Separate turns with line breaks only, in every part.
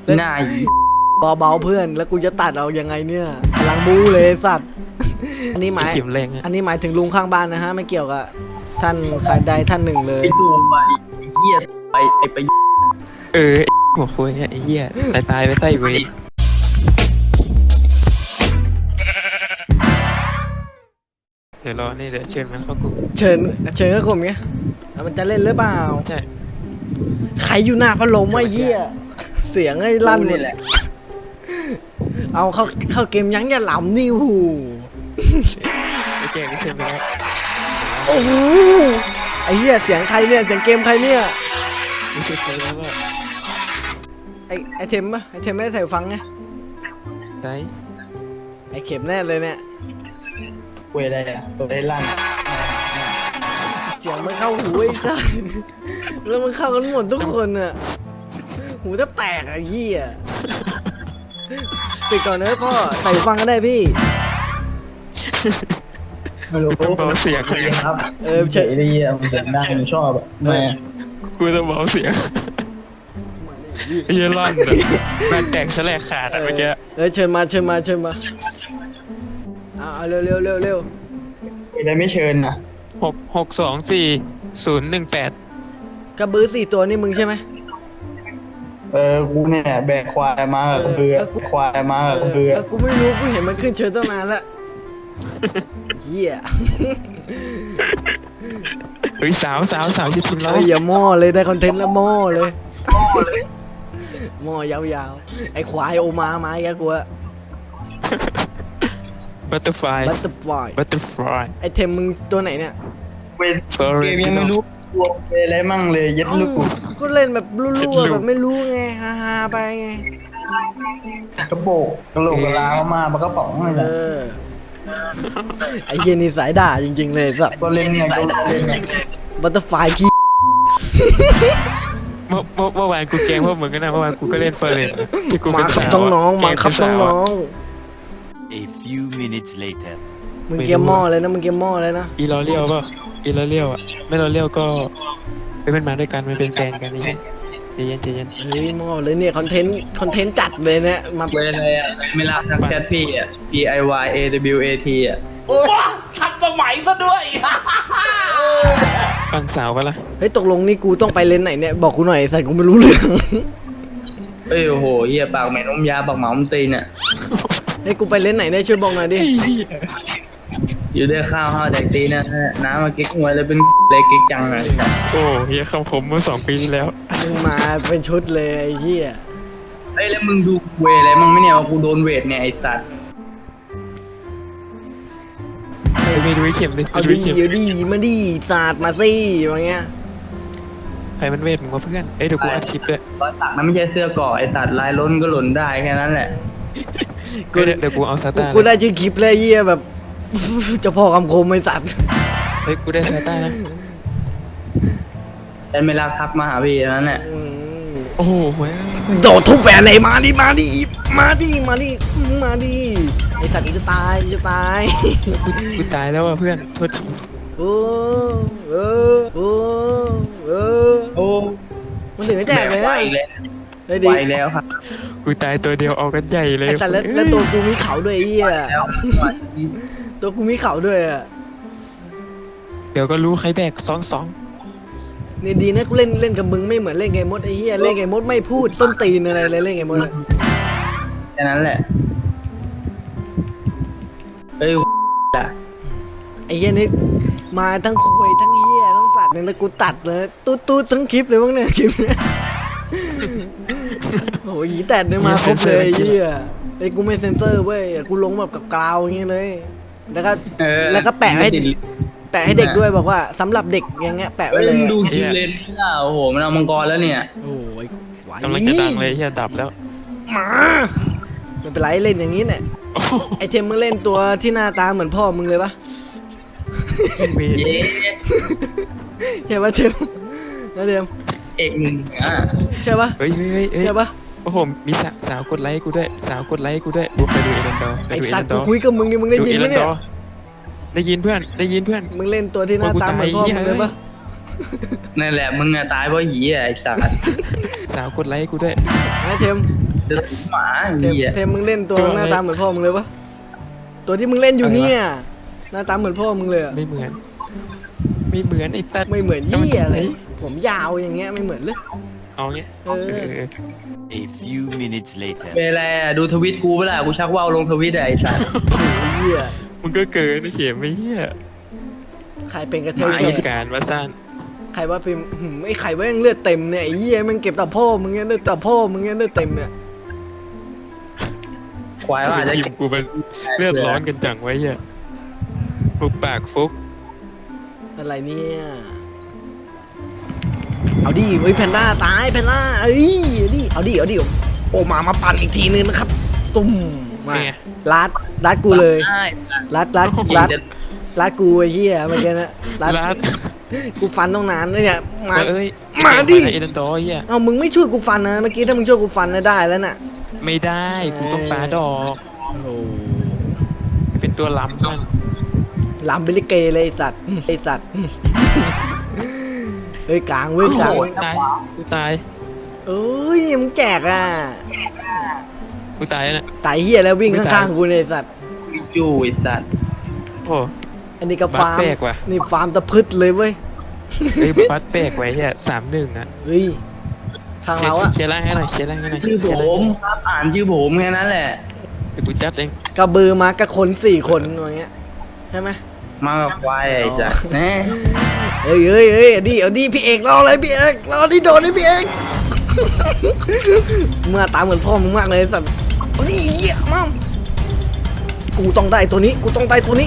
หน้า
เบาๆเพื่อนแล้วกูจะตัดเอายังไงเนี่ยพลังบูเลยสัตว์อันนี้หมาย
เข็มแรงอะ
อันนี้หมายถึงลุงข้างบ้านนะฮะไม่เกี่ยวกับท่านใครใดท่านหนึ่งเลย
ไอ้ตัวมาไอ้เหี้ยไอ้ไป
ไอ้หัวคุยเนี่ยไอ้เหี้ยตายไปใต้เวรเดี๋ยวรอนี่เดี๋ยวเชิญมันเข้ากลุ่ม
เชิญก็กลุ่มเงี้ยมันจะเล่นหรือเปล่า
ใช่
ใครอยู่หน้าพัดลมไอ้เหี้ยเสียงไอ้ลั่นหม
นี่
ด
แหละ
เอาเข้าเกมยั้งอย่าหลำนี่หู
ไอ้แกนี่เชิญไปแล้ว
โอ้โหไอ้เหี้ยเสียงใครเนี่ยเสียงเกมใครเนี่ย
ไม่ใช่ใครแล้วว่า
ไอเทมปะไอเทมไม่ได้ใส่หูฟังไง
ได้
ไอเข็มแน่เลยเนี่ย
เวรอะไรอ่ะตัวได้ลั่น
เสียงมันเข้าหูไอ้จ้าแล้วมันเข้ากันหมดทุกคนอ่ะหูแทบแตกไอ้เหี้ยติดก่อนนะพ่อใส่หูฟังก็ได้พี่
ไม่รู้
ต้องเบาเสียงเลย
ครับ
เฉย
ดีอ่ะมันเสียงดังผมชอบอ่ะแม่
กูต้องเบาเสียงไอ้เหี้ยร่อนแบบมันแตกแฉลกขาดอะเมื่อกี้
เชิญมาเอาเร็ว
อะไรไม่เชิญนะ
6624018
กระบือ4 ตัวนี่มึงใช่ไหม
กูเนี่ยแบกควายมากับเรือควายมากับเรือ
กูไม่รู้กูเห็นมันขึ้นเชิญตั้งนานแล้วเหี้ย
เฮ้ยสาวชิดทิมเรา
เฮ้ยอย่าหม้อเลยได้คอนเทนต์แล้วหม้อเลยหม้อยาวๆไอควายโอมาอีกแล้วกูอะ
บัตเตอร์ฟลาย
บัตเตอร์ฟลาย ไอเทมมึงตัวไหนเนี่ย
เกมยังไม่รู้ตัวอะไรมั่งเลยยัดลูก
ก็เล่นแบบรั่วๆแบบไม่รู้ไงฮาๆไปไง
กระโปงกระโหลกกระลามามันก็ป๋องเลยนะ
ไอเฮียนี่สายด่าจริงๆเลยสัส
ก็เล่นไงก็เล่นไง
บัตเตอร์ฟลายขี้
เมื่อวานกูแกล้งพวกมึงก็นะเมื่อวานกูก็เล่นเฟอร์เรนที่กู
มา
เป็น
ครับ
สาว
น้องๆมาครับน้อง
A few minutes later.
ๆมึงเกมหม้อเลยนะมึงเกมหม้อเลยนะ
อีลอเลียวก็อีลอเลียวอ่ะไม่ลอเลียวก็เป็นมาด้วยกันมันเป็นแฟนกันนี่ใจเย็น
เฮ้ยหม้อเลยเนี่ยคอนเทนต์จัดเลยเนี่ยมา
เวรอะไรอ่ะไม่รับทักแชทพี่อ่ะ PIYAWAT อ่ะ
ฟังสาวก็ละ
เฮ้ยตกลงนี่กูต้องไปเลนไหนเนี่ยบอกกูหน่อยใส่กูไม่รู้เรื่อง
เอ้ยโอ้โหเหี้ยปากแม่นมยาปากหมาอมตีนอ่ะ
เฮ้ยกูไปเลนไหนได้ช่วยบอกหน่อยดิ
อยู่ได้ข้าวห้าวแดกตีนนะน้ำมากิ๊กหวยแล้วเป็นเลยกิ๊กจังอ่ะ
โอ้เฮียคำผมเมื่อ2 ปีที่แล้ว
มึงมาเป็นชุดเลยไอ้เหี้ย
เอ้ยแล้วมึงดูเวรอะไรมึงไม่เนี่ยว่ากูโดนเวทเนี่ยไอ้สัตว์
ไปดูไอ้เข็มดิ
เอา
ไป
ดี
ไเข็ม
เอาดีมาดีสาดมาสิอย่างเงี้ย
ใครมันเวทมึงวะเพื่อนเอ้ยเดี๋ยวกูอัดคลิปด้วย
รอยสักนั้นไม่ใช่เสื้อเกราะไอ้สัตว์ลายล้นก็หล่นได้แค่นั้นแหละ
เดี๋ยวกูเอาซาต้า
กูได้ชื่อคลิปเลยไอ้เหี้ยแบบ เจะพ่อคำคมไอ้สัตว์
เฮ้ยกูได้ซาต้านะ
แต่ไม่รักทักมาหาพี่นั้นแหละ
อืม
โอ้โหเว้ย
โดดทุบแหวนเลยมาดิไอสัตว์จะตาย
กูตายแล้วอ่ะเพื่อนโทษที
โอ้เออ
โอ้
มันถึงจะแจกเลย
ไหว
นะ
แล้ว
เฮ้ยดิ
ไหวแล้วครับ
กูตายตัวเดียวเอากันใหญ่เลย
ไอสัตว์แล้วตัวกูมีเขาด้วยไอ้เหี้ย
แล้ว
ตัวกูมีเขาด้วยอ่ะ
เดี๋ยวก็รู้ใครแบก2
นี่ดีนะกูเล่นกับมึงไม่เหมือนเล่นเกมมดไอ้เหี้ยเล่นเกมมดไม่พูดส้นตีนอะไรเลยเล่นเกมมดอะ
แค่นั้นแหละเอ้ยอ่ะ
ไอ้เหี้ยนี่มาทั้งคุยทั้งเหี้ยทั้งสัตว์เนี่ยแล้วกูตัดเลยตูดทั้งคลิปเลยมั้งเนี่ยคลิปเนี่ยโอ้ยแต่เนี่ยมาครบเลยไอ้เหี้ยไอ้กูไม่เซ็นเซอร์เว้ยกูลงแบบกับกราวอย่างเงี้ยเลยแล้วก็แปะให้เด็กด้วยบอกว่าสำหรับเด็กอย่างเงี้ยแปะ
เอ้
ไว้
ย
เลย
มึงดูคิวเลนโอ้โหมันเอามังกรแล้วเนี่ย
โอ้ยไหว
2กำลังจะดังเลยเฮียดับแล้ว
มาไม่เป็นไรเล่นอย่างนี้เนี่ย
โอ้โห
ไอเทมมึงเล่นตัวที่หน้าตาเหมือนพ่อมึงเลยปะ
เวท
เย้
ใช่ปะเทมนะเทม
เอกหนึ่งอ่ะ
ใช่ปะ
เฮ้ย
ใช่ปะ
โอ้โหมีสาวกดไลค์กูด้วยกูไปดูเอรันดอร์
ไอสัตว์กูคุยกับมึงนี่มึงได้ยินไหมเนี่ย
ได้ยินเพื่อน
มึงเล่นตัวที่หน้าตาเหมือนพ่อมึงเลยปะ
นั่นแหละมึงอะตายเพราะหีอ่ะไอ้สัตว์
สาวกดไลค์กูด้วย
นะเทม
จะถุนหมาไอ้
เทม
เหี้ย
เทมมึงเล่นตัวหน้าตาเหมือนพ่อมึงเลยวะตัวที่มึงเล่นอยู่เนี่ยหน้าตาเหมือนพ่อมึงเลยอะ
ไม่เหมือน ไม่เหมือนไอ้ตัด
ไม่เหมือนเหี้ยเลยผมยาวอย่างเงี้ยไม่เหมือนเลย
เอาเงี้ย
เออ
A few minutes later.
เป็นไรอะดูทวิตกูเปะล่ากูชักว่าวลงทวิตอะไอ้สัส
เหี้ย
มึงก็เกินไอ้เข็มไม่เหี้ย
ใครเป็นกระเท
มาย
แก่
การมาสั้น
ใครว่าพิมพ์ไอ้ไข่ว่ายังเลือดเต็มเนี่ยไอ้เหี้ยมันเก็บแต่พ่อมึงเนี่ยเลือดแต่พ่อมึงเนี่ยเลือดเต็มเนี่ย
ควายว่าอาจจะ
ทีมกูมันเลือดร้อนกันจังไว้เหี้ยฟุกปากฟุก
อะไรเนี่ยเอาดิเฮ้ยแพนด้าตายแพนด้าเอ้ยเอาดิโอมาปั่นอีกทีนึงนะครับตุ้มมาลัดกูเลย
ได้
ลัดกูไอ้เหี้ยเมื่อกี้นะ
ลาด
กูฟันต้องนานเลยเนี่ยมา
เอ้ย
มาดิ
เอเดนดอร์เหี้ย
เอามึงไม่ช่วยกูฟันนะเมื่อกี้ถ้ามึงช่วยกูฟันนะได้แล้วน่ะ
ไม่ได้กูต้องปาดอก
โอ้
เป็นตัวล้ำมัน
ลำเบลิเกเลยไอ้สัตว์เฮ้ยกลางเว้ยกลาง
ตายกูตาย
เอ้ยมึงแจกอ่ะ
กูตายแล้วน่ะ
ตายเหี้ยแล้ววิ่ง
ไม่
ข้าง
ตาย
ๆกูเนี่ยไอ้สัตว์
อยู่ไอ้สัส
โอ้
อันนี้ก็
บัต
ฟาร์ม
แปลกว่ะ
นี่ฟาร์มตะพืชเลยเว้ย
ไอ้บัตแปลกไว้เหี้ย3-1อ่ะ
เฮ้ยข้างเราอะ
เคลียร์ล่างให้หน่อยเคลียร์ล่างให้หน่อย
ชื่อผมครับอ่านชื่อผมแค่นั้นแหละ
เดี๋ยวกูจัดเอง
กระเบือมากับคน4 คนอย่างเงี้ยใช่ไหม
มากับควายไอ้สัสแน่
เฮ้ยเอาดิพี่เอกรออะไรพี่เอกรอดิโดนเลยพี่เอกเมื่อตาเหมือนพ่อมึงมากเลยสัตว์เอาดิเหี้ยมั่งกูต้องได้ตัวนี้กูต้องได้ตัวนี้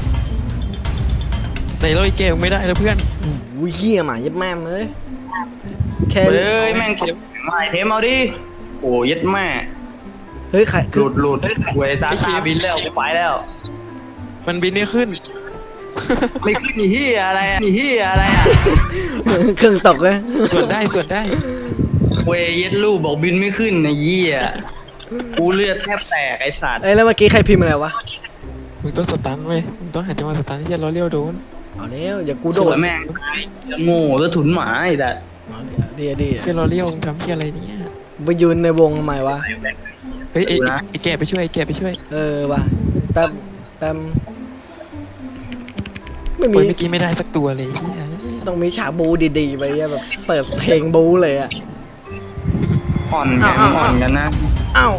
ในโลยเกมไม่ได้แล้วเพื่อน
อุ้ยเหี้ยหมาเย็บแม่มเลยแค่
เฮ้ยแม่งใหม่เทมเอาดิโอ้ยัดแม่
เฮ้ยใคร
หลุดเวยซาตาบินแล้วกูไปแล้ว
มันบินไม่ขึ้น
ไม่ขึ้นนี่เฮียอะไรอ่ะนี่เฮียอะไรอ่ะ
เครื่องตกเลย
ส่วนได้ส่วนได้
เวยเย็ดลูกบอกบินไม่ขึ้นไอ้เหี้ยกูเลือดแทบแตกไอ้สัตว์
เอ้ยแล้วเมื่อกี้ใครพิมพ์อะไรวะ
มึงต้องสตันเว้ยมึงต้องหาจังหวะสตันที่จะล้อเลี้ยวโดน
เอาแล้วอย่ากู
โด
โด
น
ด
แม่งจะโง่แล้วถุนหมาไอ้แต่
ดี
เชี่ยล้อเลี้ยวมึงทำเชี่ยอะไรเนี่ย
ไปยืนในวงทำไมวะ
เฮ้ยไอ้แกไปช่วยไอ้แกไปช่วย
เออว่ะแป๊บไม่
โอ้
มี
ยเมื่อกี้ไม่ได้สักตัวเลยเหี้ย
ต้องมีฉากบูดีๆไปอะแบบเปิดเพลงบูเลยอะ
อ่อนกันอ่อนกันนะ
เอ้า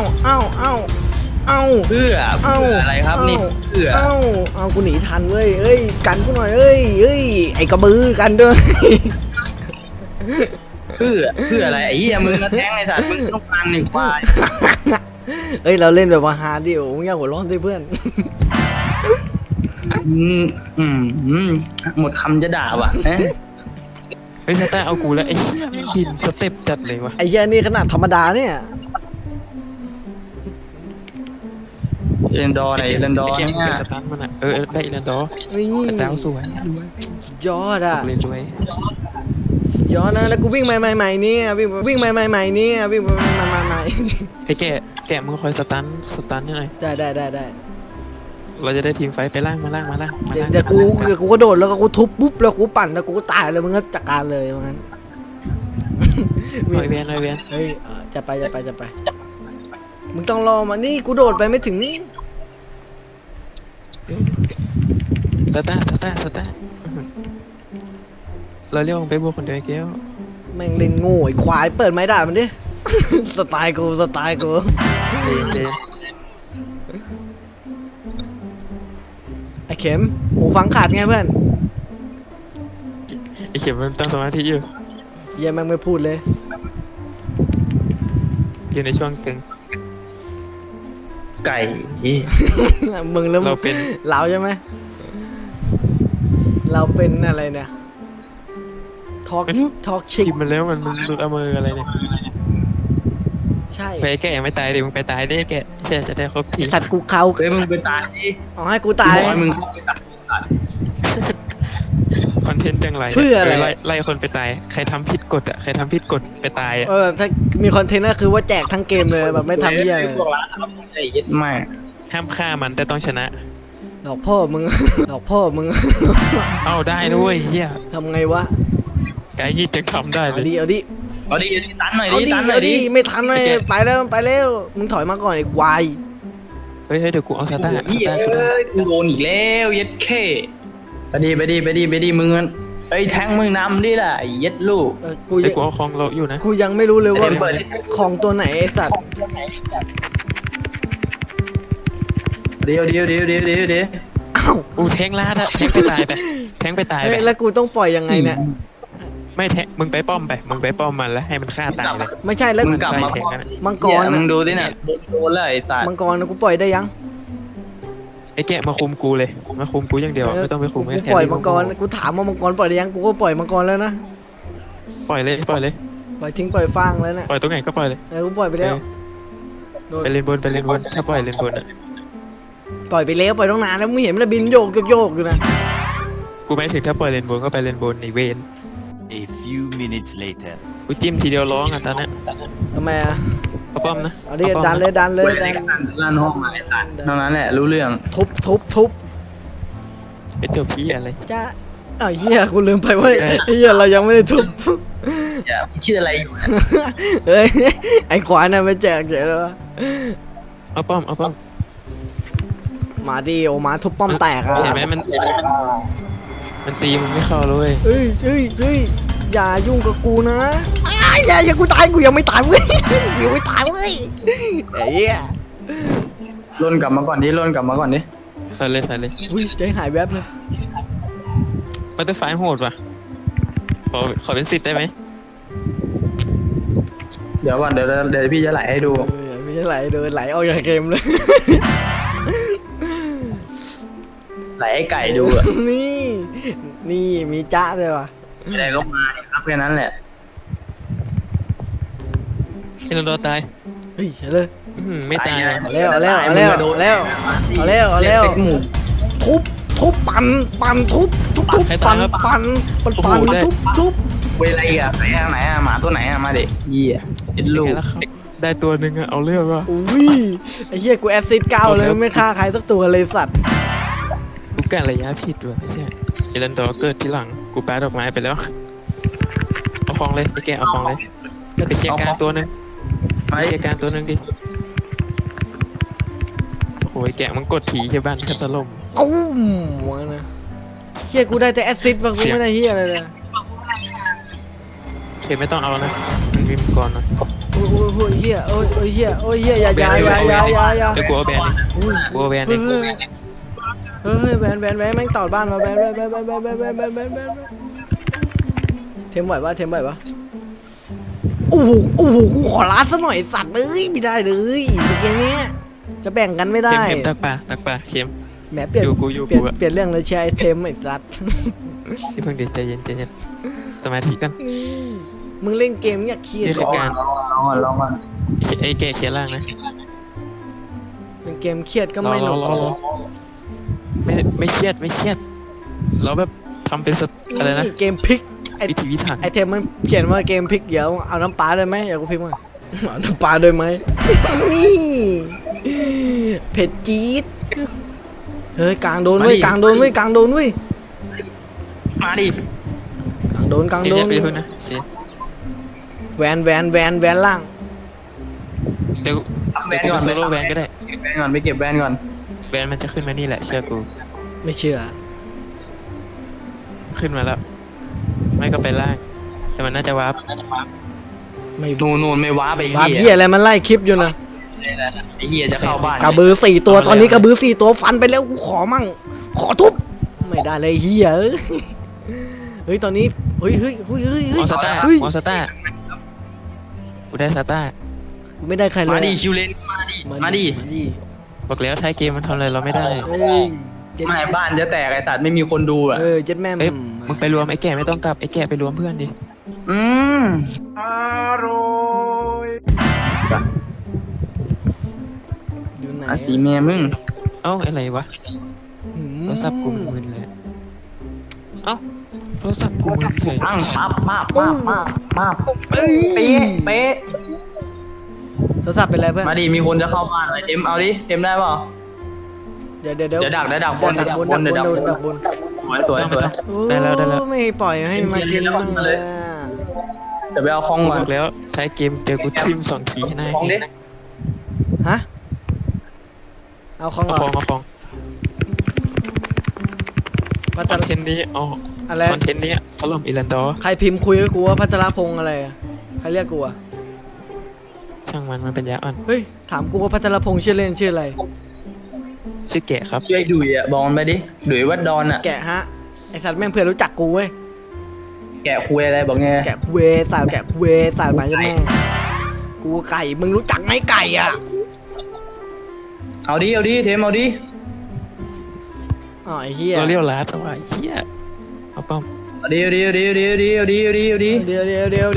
เพื่ออะไรครับนี่เพื่อ
เอากูหนีทันเว้ยเอ้ยกันกูหน่อยเอ้ยไอ้กระบือกันด้วย
เพื่ออะไรไอ้เหี้ยมึงก็แทงไอ้สัตว์มึงต้องการหนึ่งควาย
เอ้ยเราเล่นแบบว่าฮาร์ดดิโอ้ยอย่าหัวร้อนสิเพื่อน
หมดคำจะด่าว่ะ
เฮ้ยสตาร์เอากูแล้วไอ้เหี้ยมันบินสเต็ปจัดเลยวะ
ไอ้เหี้ยนี่ขนาดธรรมดาเนี่ย
เรนดอร์ไหนเรนดอร์
ไอ้แก
เนี่ย
สตันมันอ่ะได้อีแลนดอร์
นี่
แต่ดาวสวยรวย
สุดยอดอะ
เลยรวย
สุดยอดนะแล้วกูวิ่งใหม่ๆเนี่ยวิ่งใหม่ๆเนี่ยวิ่งใหม่
ไอ้แกมึงคอยสตันให้หน่อย
ๆได้
เราจะได้ทีมไฟไปล่างมาล่าง
เดี๋ยวกูก็โดดแล้วก็กูทุบปุ๊บแล้วกูปั่นแล้วกูก็ตายเลยมึงก็จัดการเลยว่างั้น
หน่อยเวียน
เฮ้ยจะไปมึงต้องรอมานี่กูโดดไปไม่ถึงนี่
สตาร์เราเรียกมึงไปบวกคนเดียวไอ้เกี้ยว
แม่งเล่นโง่ไอ้ควายเปิดไม้ด่ามันดิ สไตล์กู
เจน
ไอ้เข็มหูฟังขาดไงเพื่อน
ไอ้เข็มมันตั้งสมาธิอยู่
เหี้ยังแม่งไม่พูดเลย
อยู่ในช่วงตึง
ไก่
มึงแล้ว
เราเป็น
เราใช่ไหมเราเป็นอะไรเนี่ยทอล์ก
ไม่รู้
ชิก
ทีมมันแล้วมันหลุดเอามืออะไรเนี่ย
ใช่
ไปแกยังไม่ตายดิมึงไปตายดิแกจะได้ครบที
ไอ้สัตว์กูเขา
เฮ้ยมึงไปตายดิ
เอาให้กูตาย
บอกให้มึง
คอนเทนต์จังไร
เพื่ออะไร
ไล่คนไปตายใครทำผิดกฎใครทำผิดกฎไปตายอ่ะ
ถ้ามีคอนเทนต์ก็คือว่าแจกทั้งเกมเลยแบบไม่ทำเหี้ยเลย
พวกร้านทำไอ้ยัดแม่
ห้ามฆ่ามันแต่ต้องชนะ
หลอกพ่อมึง หลอกพ่อมึง
เอ้าได้ด้วยเฮีย
ทำไงวะ
ไกด์ยี่จะทำได้เล
เอา
ย
ดิ
เอาดิตันหน่อย
เอา
ดิ
ดิ
ตันหน่อ
เอา
ยดิ
ดิไม่ทันเลยไปแล้วไปแล้วมึงถอยมาก่อนไอ้ควาย
เฮ้ยเดี๋ยวกูเอาซาต้า
เฮ้ยกูโดนอีกแล้วเย็ดเข้ไปดิมึงเอ้ยแทงมึงนำดิล่ะเย็ดลูก
กู
เฮ้ยกูเอาคลองเราอยู่นะ
กูยังไม่รู้เลยว่า
เปิด
ของตัวไหนไอ้สัตว์
เดี๋ยว
อ้าว
กูแทงลาดอะแทงไปตายไปแทงไปตาย
เฮ้
ไป
ยแล้วกูต้องปล่อยยังไงเนี่ย
ไม่แทงมึงไปป้อมไปมึงไปป้อมมันแล้วให้มันฆ่าตายเลย
ไม่ใช่แล้ว
มึงกลับมา
ใช่แทงกัน
มังก
ก่อ
ร
นมึ
นะ
งดูดิเนี่ยโดนเลยไอ้สัตว์
มังกรนะกูปล่อยได้ยัง
ไอ้แกะมาคุมกูเลยมาคุมกูอย่างเดียวไม่ต้องไปคุม
กู
ให้แท
ปล่อยมังกรกูถามว่ามังกรปล่อยได้ยังกูก็ปล่อยมังกรแล้วนะ
ปล่อยเลยปล่อยเลย
ปล่อยทิ้งปล่อยฟางแล้วนะ
ปล่อยตรงไหนก็ปล่อยเลย
กูปล่อยไปแล้วโดน
ไปเลนบนไปเลนบนถ้าปล่อยเลนบนอะ
ปล่อยไปแล้วปล่อยตั้งนานแล้วมึงเห็นมันบินโยกอยู่นะ
กูไม่ถึงถ้าปล่อยเลนบนก็ไปเลนบนในเวน
A few minutes later.
กูจิ้มทีเดียวร้องอ่ะตอนนี้
ทำไมอ่ะ
เอาป้อมนะ
เอาดิ
ป้อม
ดัน
นะ
เลยดันเลยดัน
ลั่นห้องมาไอ้สัตว์เท่านั้นแหละรู้เรื่อง
ทุบ
ไอ้เจ้าพี่อะไร
จ้าอ้าวเฮียกูลืมไปว่าเฮียเรายังไม่ได้ทุบ
อย่าคิดอะไรอยู่
เฮ้ยไอ้ขวานน่ะไปแจกเฉยเลยวะ
เอาป้อมเอาป้อม
มาดิโอมาทุบป้อมแตกอ่ะ
เห็นไหมมันตีมึงไม่เข้าเลย
เฮ้ยอย่ายุ่งกับกูนะอ้ายอย่ากูตายกูยังไม่ตายเว้ยกูยังไม่ตายเว้ยไอ้เหี้ย
ล่นกลับมาก่อนดิ
ใส่เลยใส่เลย
อุ้ยใจหายแวบเลย
บัตเตอร์ไฟโหดว่ะขอเป็นสิทธิ์ได้ไหม
เดี๋ยวก่อนเดี๋ยวพี่จะไหลให้ดู
ไม่ใช่ไหลเดินไหลออกจากเกมเลย
ไหลให้ไก่ดูอะ
นี่มีจ้าเลยว่ะ
อะไรก็มาครับแค่นั้นแหละ
ให้เราโดนตาย
เฮ้ยเลย
ไม่ตายนะ
เอาแล้วทุบปั่นทุบ
เวลาอีกอะไหนอะหมาตัวไหนอะมาเด็กยี่อะเอ็ดลูก
แล้วครับได้ตัวหนึ่งอะเอาเรื่องว่ะ
อุ้ยไอ้เหี้ยกูแอซซิด9เลยไม่ฆ่าใครสักตัวเลยสัตว์
กูกะระยะผิดว่ะใช่เอรันดอร์เกิดที่หลังกูแปะดอกไม้ไปแล้วเอาของเลยไปแกะเอาของเลยไปเชียร์การตัวหนึง
ไป
ไปเชียร์การตัวหนึงดิโอ้ยแกะมันกดถีที่บ้านแทบสลบ
ตุ้มวะนะเหี้ยกูได้แต่แอซซิดว่ะกูไม่ได้เหี้ยอะไรเลย
โอเคไม่ต้องเอานะมันมีมังกรนะ
โอ้ยเหี้ยอย่า
เดี๋ยวกูเอาแบนดิกูเอาแบนดิ
เฮ้ยแบนแม่งต่อบ้านมาแบนเทมไหวปะโอ้โหกูขอลาซะหน่อยสัตว์เลยไม่ได้เลยเกมนี้จะแบ่งกันไม่ได้
เข็มตักปลาเข็ม
แหมเปลี่ยน
อยู่
เปลี่ยน
กูอะ
เปลี่ยนเรื่องเลยแชร์ไอเทมไอ้สัตว์
ที่เพิ่งเดี๋ยวใจเย็นสมาธิกัน
มึงเล่นเกมอยากเครียด
นี่คือการ
ลองก่อน
ไอ้แกะเขียนล่างนะ
เล่นเกมเครียดก็
รอ
ไม่หนุก
ไม่เครียดเราแบบทำเป็นอะไรนะ
เกมพลิกไอ
วิธีวิถัน
ไอเทมมันเขียนว่าเกมพลิกเดี๋ยวเอาน้ำปลาได้ไหมเดี๋ยวกูพิมพ์มาเอาน้ำปลาได้ไหมนี่เผ็ดจี๊ดเฮ้ยกลางโดนเว้ย
มาดิ
กลางโดน
มาดิ
กลางโดน
เดี๋ยวไปเพิ่งนะ
แวนล่าง
เดี๋ยวกูโซโล่แวนก็ได้
เก็บแวนก่อนไปเก็บแวนก่อน
แวนมันจะขึ้นมานี่แหละเชื่อกู
ไม่เชื่อ
ขึ้นมาแล้ว ไม่ก็ไปล่าง แต่มันน่าจะวาร์ป
ไม่
นูนไม่ว้าไป
บาเฮียอะไรมันไล่คลิปอยู่นะ
ไอ้เฮียจะเข้าบ้าน
กระบือ4 ตัวตอนนี้กระบือ4 ตัวฟันไปแล้วกูขอมั่งขอทุบไม่ได้เลยเฮียเฮ้ยตอนนี้เฮ้ย
มอสต้ากูได้ซาต้า
ไม่ได้ใครเลย
มาดิคิวเลนมาดิ
บอกแล้วท้ายเกมมันทำอะไรเราไม่ได้
เฮ้ย
ไม่บ้านจะแตกไอ้สัตว์ไม่มีคนดูอ่ะ
เจ็ดแม่
เอ้ยมึงไปรวมไอ้แก่ไม่ต้องกลับไอ้แก่ไปรวมเพื่อนดิ
อืม
อยู่ไหน
อาสีเมียมึง
เอ้าอะไรวะโทรศัพท์กูมึนเลยเอ้าโทรศัพท์กูมึนเฉย
ปั้งปั๊บเป๊ะ
โทรศัพท์เป็นไรเพื่อน
มาดิมีคนจะเข้าบ้านเลยเต็มเอาดิเต็มได้เปล่า
เดี๋ยว
เดี๋ยวดักบน
ดักบน
สวย
ได้แล้ว
ไม่ปล่อยให้มากินบ้างเลย
ดี๋ยวไปเอาคอง
กู
ก่อน
บอกแล้วท้ายเกมเจอกูทิม2 ทีให้หน้า
คองดิ
ฮะเอาของ
เอา
เหร
ค
อ
องเอาคอง
พั
ค
ท
อน
ร
เทนต์นี้เอา
อะไร
คอนเทนต์นี้ถล่มอิรันดอร์
ใครพิมพ์คุยกับกูว่าพัทรพงษ์อะไรอะใครเรียกกูอะ
ช่างมันเป็นยาอ่อน
เฮ้ยถามกูว่าพัทรพงษ์ชื่อเล่นชื่ออะไร
ชื่อแกะครับ
ช่วยดุยอ่ะบอกมันไปดิดุยวัดดอนอ่ะ
แกะฮะไอสัตว์แม่งเพื่อนรู้จักกูเว้ย
แกะคุยอะไรบอกไง
แกะเวสายแกะเวสายหมายจะแม่กูไก่มึงรู้จักไหมไก่อะ
เอาดิเอาดิเทมเอาดิ
อ๋อไอ้เหี้ย
เราเรียวลาดแต่ว่าไอ้เหี้ยเอาป้อม
เอาดิเอาดิเอาดิเอาดิเอาดิเอาดิเอาดิเอาดิ
เดี๋ยว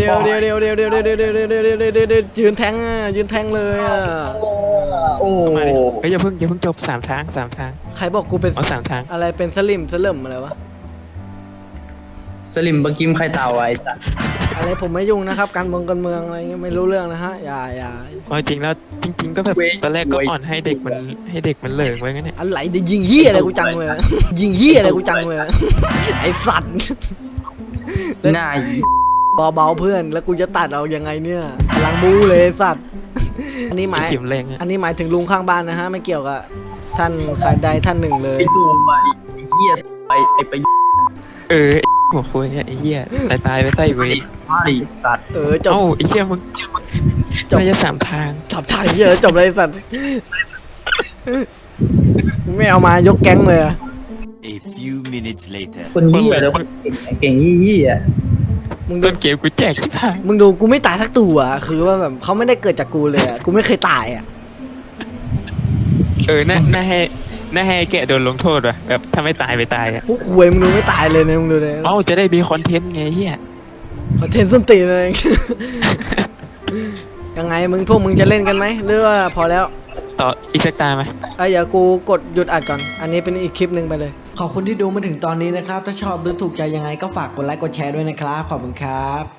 ยืนแทงอ่ะยืนแทงเลยอ่ะ
โอ้
เข้ามาดิเฮ้ยอย่าเพิ่งจบ3 ทาง
ใครบอกกูเป็น
เอา3 ทาง
อะไรเป็นสลิมสลิมอะไรวะ
สลิมบะกิมไข่เต่าไอ้สัส
อะไรผมไม่ยุ่งนะครับการเมืองอะไรเงี้ยไม่รู้เรื่องนะฮะอย่า
เอาจริงแล้วจริง ๆ ก็แบบตอนแรกก็อ่อนให้เด็กมันเหลิงไว้งั้นเนี่ย
อะไรเดี๋ยวยิงเหี้ยอะไรกูจังเลยยิงเหี้ยอะไรกูจังเลยไอ้สัตว์
หน้าอี
เบาๆเพื่อนแล้วกูจะตัดเอายังไงเนี่ยพลังบูเลยสัตว์อันนี้หมาย
เข็มแรงอะ
อันนี้หมายถึงลุงข้างบ้านนะฮะไม่เกี่ยวกับท่านใครใดท่านหนึ่งเลย
ไอ้ตูมไอ้เหี้ยไอ้ไป
ไอ้หัวคุยเนี่ยไอ้เหี้ยตายไปใต้เวร
ไอ้สัตว์
จบ
เอ้าไอ้เหี้ยมึง
จบ
น่าจะ3 ทาง
จับถ่ายเยอะจบเลยไอ้สัตว์กูไม่เอามายกแก๊งเลยอะ
A few minutes later.
คนเหี้ยแล้วคนเก่งเหี้ย
มึงดู
ต้นเกมกูแจกชิบหาย
มึงดูกูไม่ตายสักตัวอะคือว่าแบบเขาไม่ได้เกิดจากกูเลยอะกูไม่เคยตายอะ
น่าให้แกะโดนลงโทษว่ะแบบถ้าไม่ตายไปตายอ่ะ
พวกคุยมึงดูไม่ตายเลยนะมึงดูเลย
เอ้าจะได้มีคอนเทนต์ไงเฮีย
คอนเทนต์ส้นตีนเลย ยังไงพวกมึงจะเล่นกันไหมหรือว่าพอแล้ว
ต่ออีกสักตาไหม
เดี๋ยวกูกดหยุดอัดก่อน อันนี้เป็นอีกคลิปหนึ่งไปเลย ขอบคุณที่ดูมาถึงตอนนี้นะครับ ถ้าชอบหรือถูกใจยังไงก็ฝากกดไลค์กดแชร์ด้วยนะครับ ขอบคุณครับ